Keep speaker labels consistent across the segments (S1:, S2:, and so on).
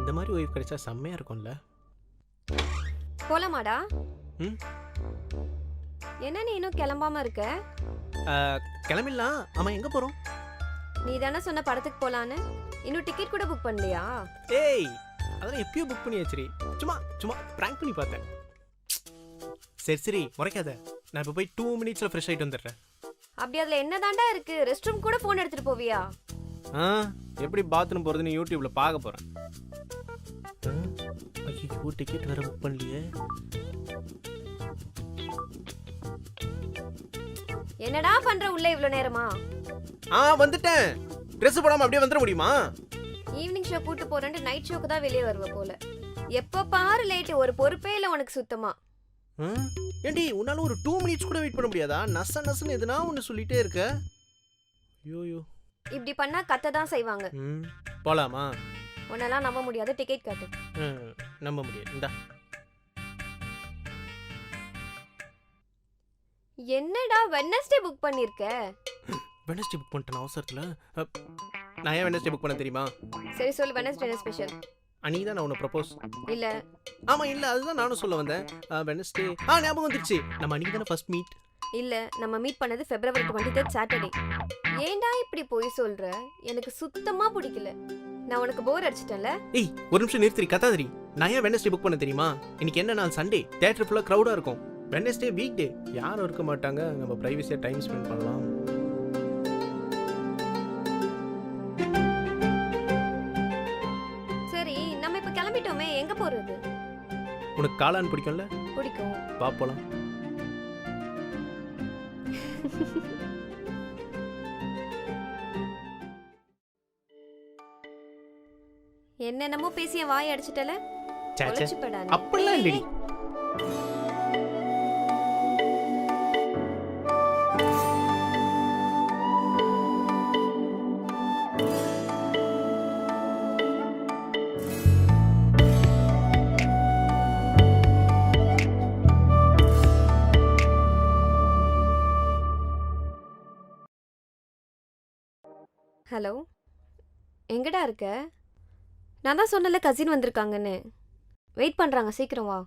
S1: இந்த மாதிரி ஒய்ஃப் கிடைச்சா செம்மையா இருக்கும்ல.
S2: போலாமாடா?
S1: ம்
S2: என்ன நீ இன்னும் கிளம்பாம இருக்க?
S1: கிளம்பிடலாம். ஆமா, எங்க போறோம்?
S2: நீ தானே சொன்ன படத்துக்கு போலான்னு. இன்னும் டிக்கெட் கூட புக் பண்ணலையா?
S1: ஏய், அதெல்லாம் எப்பயோ புக் பண்ணி வச்சிரி. சும்மா சும்மா பிராங்க் பண்ணி பார்த்தேன். சரி சரி, முறைக்காத. நான் இப்போ போய் 2 மினிட்ஸ்ல ஃப்ரெஷ் ஆயிட்டு வந்துடுறேன்.
S2: அப்படி அதுல என்னதான்டா இருக்கு? ரெஸ்ட் ரூம் கூட போன் எடுத்துட்டு போவியா?
S1: எப்படி பாத்ரூம் போறதுன்னு யூடியூப்ல பார்க்க போறேன். ஐயோ, டிக்கெட் வேற புக் பண்ணலையே.
S2: என்னடா பண்ற உள்ள இவ்ளோ நேரமா?
S1: வந்துட்டேன். ட்ரெஸ் போடாம அப்படியே வந்துட முடியுமா?
S2: ஈவினிங் ஷோ கூட்டு போறேன்னு நைட் ஷோக்கு தான் வெளியே வருவ போல. எப்ப பாரு லேட், ஒரு பொறுப்பே இல்ல உனக்கு சுத்தமா.
S1: ஏண்டி, உன்னால ஒரு 2 மினிட்ஸ் கூட வெயிட் பண்ண முடியாதா? நசன்னு எதுனா ஒன்னு சொல்லிட்டே இருக்க. ஐயோ,
S2: இப்படி பண்ணா கத்த தான் செய்வாங்க.
S1: போலாமா?
S2: உன்னெல்லாம் நம்ப முடியாது. டிக்கெட் காட்டு.
S1: நம்ப முடியாது. இந்தா.
S2: என்னடா வெட்னஸ்டே புக் பண்ணிருக்க?
S1: வெட்னஸ்டே புக் பண்ணிட்டேன் அவசரத்துல. நான் ஏன் வெட்னஸ்டே புக் பண்ண தெரியுமா?
S2: சரி சொல்லு, வெட்னஸ்டே என்ன ஸ்பெஷல்?
S1: அன்னைக்கு தான் நான் உன்னை ப்ரப்போஸ்.
S2: இல்ல.
S1: ஆமா இல்ல, அதுதான் நானும் சொல்ல வந்தேன். வெட்னஸ்டே ஞாபகம் வந்துருச்சு. நம்ம அன்னைக்கு தானே ஃபர்ஸ்ட் மீட்.
S2: இல்ல, நம்ம மீட் பண்ணது February 23 சாட்டர்டே. ஏன்டா இப்படி போய் சொல்ற? எனக்கு சுத்தமா பிடிக்கல. நான் உனக்கு போர் அடிச்சிட்டேன்ல.
S1: ஏய், ஒரு நிமிஷம் நிறுத்தி கத்தாதரி. நான் ஏன் வெட்னஸ்டே புக் பண்ண தெரியுமா? இன்னைக்கு என்ன நாள்? சண்டே. தியேட்டர் ஃபுல்லா கிரவுடா இருக்கும். வெட்னஸ்டே வீக் டே, யாரும் இருக்க மாட்டாங்க. நம்ம பிரைவசியா டைம் ஸ்பெண்ட் பண்ணலாம்.
S2: சரி, நம்ம இப்ப கிளம்பிட்டோமே, எங்க போறது?
S1: உனக்கு காளான் பிடிக்கும்ல?
S2: பிடிக்கும்.
S1: வா போலாம்.
S2: என்னென்னமோ பேசிய வாய் அடிச்சிட்டல.
S1: அப்படிலாம் இல்லடி.
S2: ஹலோ, எங்கடா இருக்க? நான் தான் சொன்னல கசின் வந்திருக்காங்கன்னு. வெயிட் பண்றாங்க, சீக்கிரம் வா.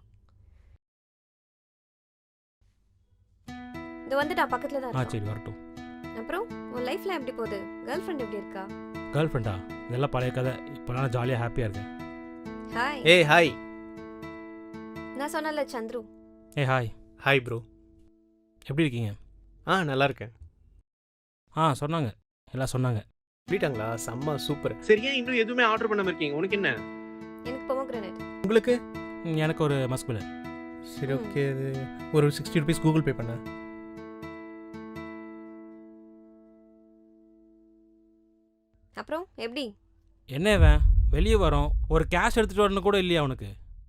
S2: இது வந்துட்டா, பக்கத்துல தான் இருக்கா.
S3: சரி வரட்டும்.
S2: அப்புறம் உன் லைஃப்ல எப்படி போகுது? கேர்ள் ஃப்ரெண்ட் எப்படி இருக்கா?
S3: கேர்ள் ஃப்ரெண்டா? இதெல்லாம் பழைய கதை. இப்போ நான் ஜாலியாக ஹாப்பியாக இருக்கேன்.
S2: ஹாய்.
S1: ஏய் ஹாய்.
S2: நான் சொன்னல சந்துரு.
S3: ஏய் ஹாய்.
S1: Hi bro.
S3: எப்படி இருக்கீங்க?
S1: நல்லா இருக்கேன்.
S3: சொன்னாங்க, எல்லாம் சொன்னாங்க.
S1: சொல்லிட்டாங்களா? செம்ம சூப்பர். சரியா, இன்னும் எதுவுமே ஆர்டர் பண்ணாம இருக்கீங்க? உனக்கு என்ன?
S2: எனக்கு பொமோகிரானேட்.
S1: உங்களுக்கு?
S3: எனக்கு ஒரு மஸ்குலர்.
S1: சரி ஓகே, அது ஒரு 60 rupees கூகுள் பே பண்ண.
S2: அப்புறம் எப்படி?
S3: என்ன இவன் வெளியே வரோம், ஒரு கேஷ் எடுத்துட்டு வரணும் கூட இல்லையா உனக்கு?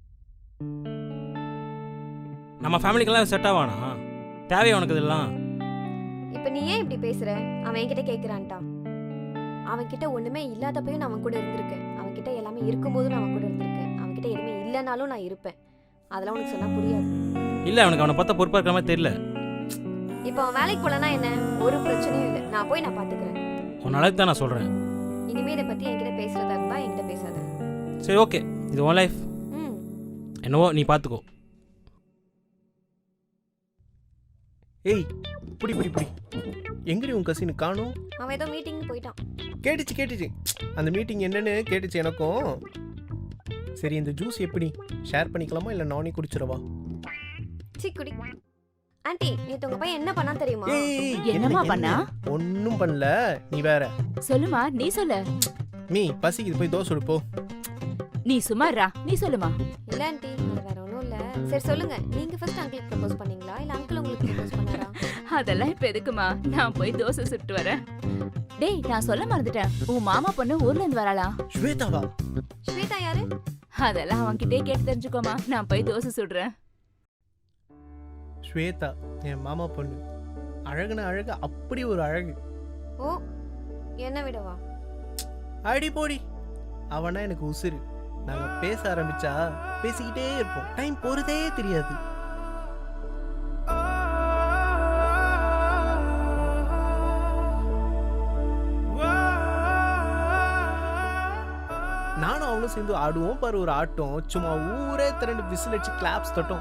S3: நம்ம ஃபேமிலிக்கெல்லாம் செட் ஆவானா? தேவையா உனக்கு இதெல்லாம்?
S2: இப்போ நீ ஏன் இப்படி பேசுற? அவன் என்கிட்ட கேட்குறான்ட்டான். அவன்கிட்ட ஒன்றுமே இல்லாதப்பையும் நான் அவன் கூட இருந்திருக்கேன். அவன்கிட்ட எல்லாமே இருக்கும்போதும் நான் அவன் கூட இருந்திருக்கேன். அவன்கிட்ட எதுவுமே இல்லைனாலும் நான் இருப்பேன். அதெல்லாம் உனக்கு சொன்னா புரியாது.
S3: இல்லை, அவனுக்கு அவனை பார்த்தா பொறுப்பாக இருக்கிற மாதிரி தெரியல.
S2: இப்போ அவன் வேலைக்கு போலனா என்ன? ஒரு பிரச்சனையும் இல்லை. நான் போய் நான் பார்த்துக்கிறேன்.
S3: உன் அளவுக்கு தான் நான் சொல்கிறேன்.
S2: இனிமே இதை பற்றி என்கிட்ட பேசுறதா இருந்தா என்கிட்ட பேசாத.
S3: சரி ஓகே, இது உன் லைஃப். என்னவோ நீ பார்த்துக்கோ.
S1: ஏய், புடி புடி புடி. எங்கடி உன் கசின் காணோம்?
S2: அவன் ஏதோ மீட்டிங் போயிட்டான்.
S1: கேட்டுச்சு. அந்த மீட்டிங் என்னன்னு கேட்டுச்சு எனக்கும். சரி, இந்த ஜூஸ் எப்படி ஷேர் பண்ணிக்கலாமா இல்ல நானே குடிச்சிரவா?
S2: குடி. ஆன்ட்டி, நேத்து உங்க பையன் என்ன பண்ணா தெரியுமா?
S4: என்னமா பண்ணா?
S1: ஒண்ணும் பண்ணல, நீ வேற.
S4: சொல்லுமா, நீ சொல்லு.
S1: மீ பசிக்குது, போய் தோசை சுடு போ.
S4: நீ சும்மாறா, நீ சொல்லுமா.
S2: இல்ல ஆன்ட்டி, அது வேற ஒண்ணும் இல்ல. சரி சொல்லுங்க, நீங்க ஃபர்ஸ்ட் அங்கிளுக்கு ப்ரப்போஸ் பண்ணீங்களா இல்ல அங்கிள் உங்களுக்கு ப்ரப்போஸ் பண்ணாரா?
S4: அதெல்லாம் இப்ப எதுக்குமா? நான் போய் தோசை சுட்டு வரேன். டேய், நான் சொல்ல மறந்துட்டேன். உன் மாமா பொண்ணு ஊர்ல இருந்து வராளா?
S1: ஸ்வேதாவா?
S2: ஸ்வேதா யாரு?
S4: அதெல்லாம் அவன்கிட்டே கேட்டு தெரிஞ்சுக்கோமா. நான் போய் தோசை சுடுறேன்.
S1: ஸ்வேதா என் மாமா பொண்ணு. அழகுன அழகு, அப்படி ஒரு அழகு.
S2: ஓ, என்ன விடவா?
S1: அடி போடி. அவனா எனக்கு உசுரு. நாங்க பேச ஆரம்பிச்சா பேசிக்கிட்டே இருப்போம். டைம் போறதே தெரியாது. நானும் அவனும் சேர்ந்து ஆடுவோம் பாரு ஒரு ஆட்டம், சும்மா ஊரே திரண்டு விசில் அடிச்சு கிளாப்ஸ் தட்டும்.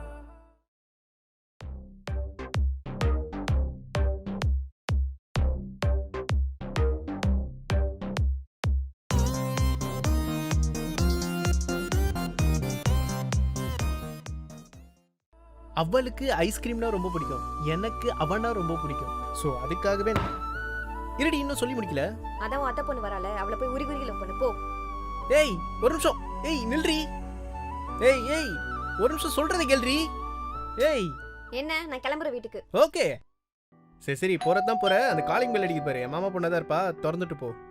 S1: அவளுக்கு ஐஸ்கிரீம்னா ரொம்ப பிடிக்கும், எனக்கு அவனா ரொம்ப பிடிக்கும். ஸோ அதுக்காகவே இருடி, இன்னும் சொல்லி முடிக்கல.
S2: அதான் உன் அத்தை பொண்ணு வரால, அவளை போய் உரி உரி லவ் பண்ணு போ.
S1: ஏய் ஒரு நிமிஷம், ஏய் நில்றி, ஏய் ஏய் ஒரு நிமிஷம் சொல்றதை கேள்றி. ஏய்
S2: என்ன, நான் கிளம்புற வீட்டுக்கு.
S1: ஓகே சரி சரி, போறதான் போற. அந்த காலிங் பெல் அடிக்க பாரு, என் மாமா பொண்ணா தான் இருப்பா, திறந்துட்டு போ.